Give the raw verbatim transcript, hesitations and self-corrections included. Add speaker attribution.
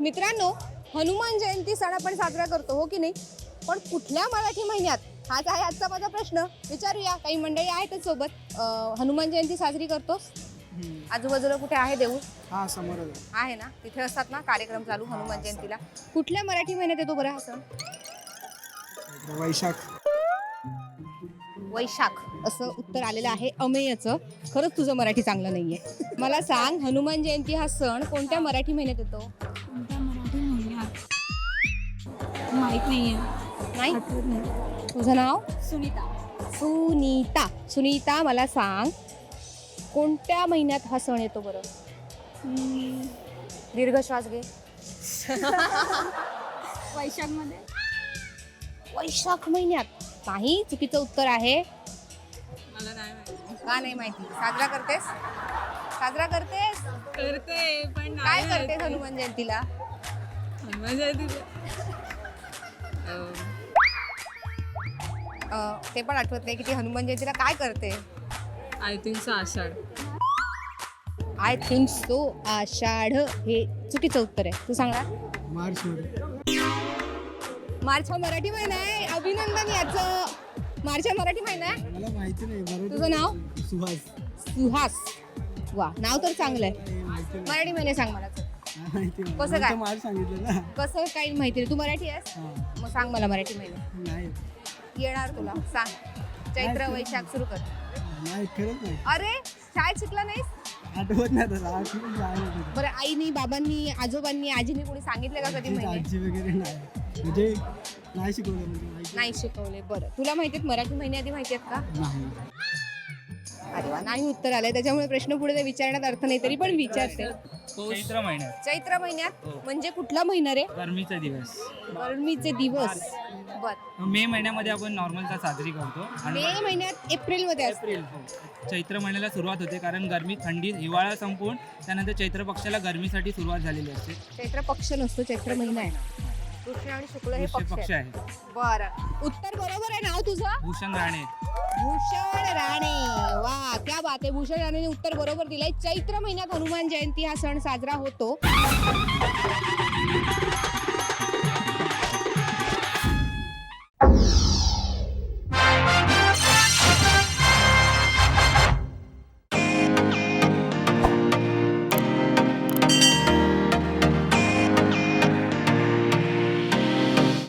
Speaker 1: मित्रांनो, हनुमान जयंती सण आपण साजरा करतो हो की नाही, पण कुठल्या मराठी महिन्यात हाच आहे आजचा माझा प्रश्न. विचारूया, काही मंडळी आहेतच सोबत. अं, हनुमान जयंती साजरी करतोस? आजूबाजूला कुठे आहे देऊळ?
Speaker 2: हा समोर
Speaker 1: आहे ना, तिथे असतात ना कार्यक्रम चालू हनुमान जयंतीला. कुठल्या मराठी महिन्यात येतो बरं हा सण?
Speaker 2: वैशाख.
Speaker 1: वैशाख असं उत्तर आलेलं आहे अमेयचं. खरंच तुझं मराठी चांगलं नाहीये. मला सांग, हनुमान जयंती हा सण कोणत्या मराठी महिन्यात येतो?
Speaker 3: कोणत्या मराठी महिन्यात माहित नाहीये.
Speaker 1: नाही,
Speaker 3: आठवत नाही.
Speaker 1: तुझं नाव?
Speaker 3: सुनीता.
Speaker 1: सुनीता. सुनीता, मला सांग, कोणत्या महिन्यात हा सण येतो बरं?
Speaker 3: हम्म,
Speaker 1: दीर्घ श्वास घे.
Speaker 3: वैशाखमध्ये.
Speaker 1: वैशाख महिन्यात नाही, चुकीचं उत्तर आहे.
Speaker 3: मला नाही माहिती.
Speaker 1: का नाही माहिती? साजरा करतेस? साजरा करतेस?
Speaker 3: करते पण
Speaker 1: काय करतेस हनुमान जयंतीला?
Speaker 3: हनुमान जयंती
Speaker 1: अं, ते पण आठवत नाही की ती हनुमान जयंतीला काय करते.
Speaker 3: I think so Ashadh.
Speaker 1: I think so Ashadh हे चुकीचं उत्तर आहे. तू सांगा.
Speaker 2: मार्च मध्ये.
Speaker 1: मार्च हा मराठी महिना आहे. अभिनंदन याचं. मार्च हा मराठी महिना आहे.
Speaker 2: मला माहिती नाही. बरोबर.
Speaker 1: तुझं नाव?
Speaker 2: सुहास.
Speaker 1: सुहास. वा, नाव तर चांगलं आहे.
Speaker 2: हे माहिती नाही.
Speaker 1: मराठी महिने सांग मला.
Speaker 2: हा, माहिती नाही.
Speaker 1: कसं
Speaker 2: मी
Speaker 1: काय?
Speaker 2: तर मार्च सांगितलं ना.
Speaker 1: कसं काही माहिती नाही. तू मराठी आहेस?
Speaker 2: हा.
Speaker 1: मग सांग मला मराठी महिने.
Speaker 2: नाही
Speaker 1: येणार तुला. सांग. चैत्र वैशाख सुरू कर.
Speaker 2: नाही खरंच नाही.
Speaker 1: अरे, शाळेत शिकला नाहीस?
Speaker 2: आठवत नाही आता. आठवत नाही.
Speaker 1: बरं, आईनी, बाबांनी, आजोबांनी, आजीनी कोणी सांगितलं का कधी
Speaker 2: आजी
Speaker 1: महिने?
Speaker 2: आजी वगैरे नाही. म्हणजे नाही शिकवलं म्हणजे माहिती
Speaker 1: नाही शिकवले. बरं, तुला माहिती आहेत मराठी महिने आधी माहिती आहेत का?
Speaker 2: नाही.
Speaker 1: अरे वा, नाही उत्तर आलंय. त्याच्यामुळे प्रश्न पुढे ते विचारण्यात अर्थ नाही, तरी पण विचारते.
Speaker 4: चैत्र महिन्यात
Speaker 1: चैत्र महिन्यात म्हणजे कुठला महिना रे?
Speaker 4: गरमीचा दिवस.
Speaker 1: गरमीचे दिवस. बर,
Speaker 4: मे महिन्यामध्ये आपण नॉर्मलचा साजरी करतो आणि
Speaker 1: मे महिन्यात एप्रिल मध्ये असते.
Speaker 4: एप्रिल हो. चैत्र महिन्याला सुरुवात होते कारण गरमी थंडी हिवाळा संपून त्यानंतर चैत्र पक्षाला गरमीसाठी सुरुवात झालेली असते.
Speaker 1: चैत्र पक्ष नसतो, चैत्र महिना आहे. कृष्ण आणि शुक्ल हे
Speaker 4: वृश्चिक
Speaker 1: पक्ष
Speaker 4: पक्ष
Speaker 1: आहेत.
Speaker 4: आहे.
Speaker 1: बरं, उत्तर बरोबर आहे. नाव तुझं?
Speaker 4: भूषण राणे.
Speaker 1: भूषण राणे. वा, क्या बात आहे. भूषण राणेने उत्तर बरोबर दिलंय. चैत्र महिन्यात हनुमान जयंती हा सण साजरा होतो.